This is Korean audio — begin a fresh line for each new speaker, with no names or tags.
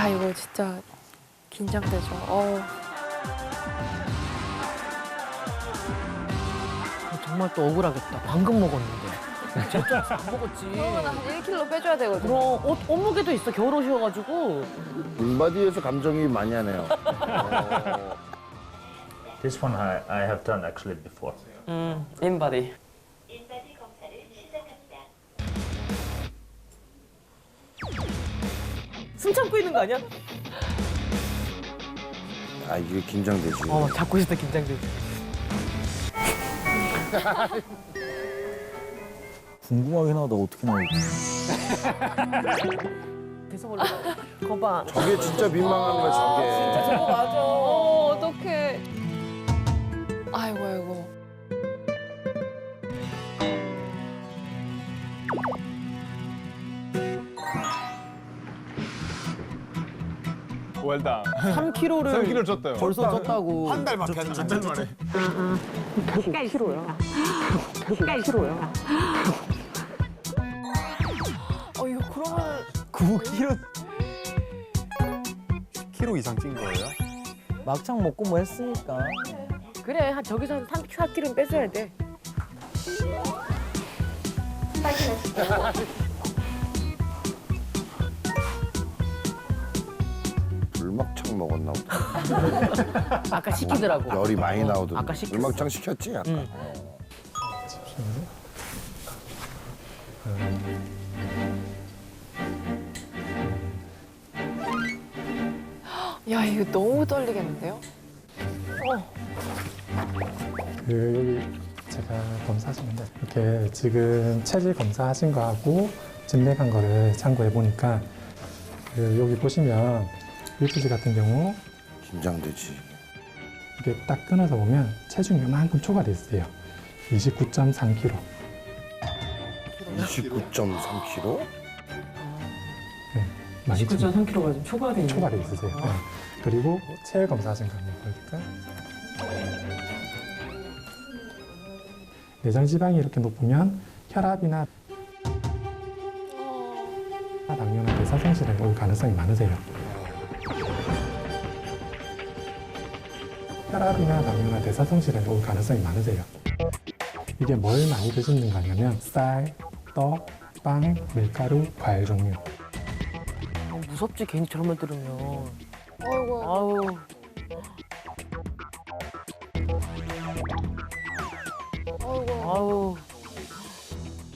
야, 이거 진짜 긴장되죠.
정말 또 억울하겠다. 방금 먹었는데. 진짜 안 먹었지.
그러면 한 1kg 빼줘야 되거든요.
그럼 옷 무게도 있어. 겨울옷이어가지고.
인바디에서 감정이 많이 하네요.
This one I have done actually before.
인바디.
인바디 검사를 시작합니다.
숨 참고 있는 거 아니야?
아, 이게 긴장되지.
잡고 있을 때 긴장되지.
궁금하긴 하다. 어떻게 나올지.
계속 올라. 거봐.
저게 진짜 민망한 거야, 저게.
저거 맞아.
어떡해. 아이고, 아이고.
웰다.
3kg를
3kg 쪘대요.
벌써 쪘다고.
한 달밖에 안 한 달 만에.
1kg야. 1kg야.
이거 그러면
9kg. 10kg 이상 찐 거예요?
막창 먹고 뭐 했으니까.
그래, 저기서 한 4kg는 뺐어야 돼.
불막창 먹었나 보다.
아까 시키더라고.
열이 많이 나오던데.
아까 시켰어.
불막창 시켰지, 아까.
야, 이거 너무 떨리겠는데요?
여기 제가 검사하시는데 이렇게 지금 체질 검사하신 거하고 진맥한 거를 참고해 보니까 여기 보시면 UPG 같은 경우
긴장되지.
이게 딱 끊어서 보면 체중이 요만큼 초과돼 있어요. 29.3kg.
29.3kg?
네, 많이
9.3kg가 좀 초과돼 있는.
초과돼 있으세요. 네. 그리고 체열 검사하신 거 한번 보여드릴까요? 내장 지방이 이렇게 높으면 혈압이나 당뇨나 대사성실에 올 가능성이 많으세요. 혈압이나 당뇨나 대사성실에 올 가능성이 많으세요. 이게 뭘 많이 드시는 거냐면 쌀, 떡, 빵, 밀가루, 과일 종류.
무섭지, 괜히 저런 말 들으면.
아이고.
아우.
아이고.
아우.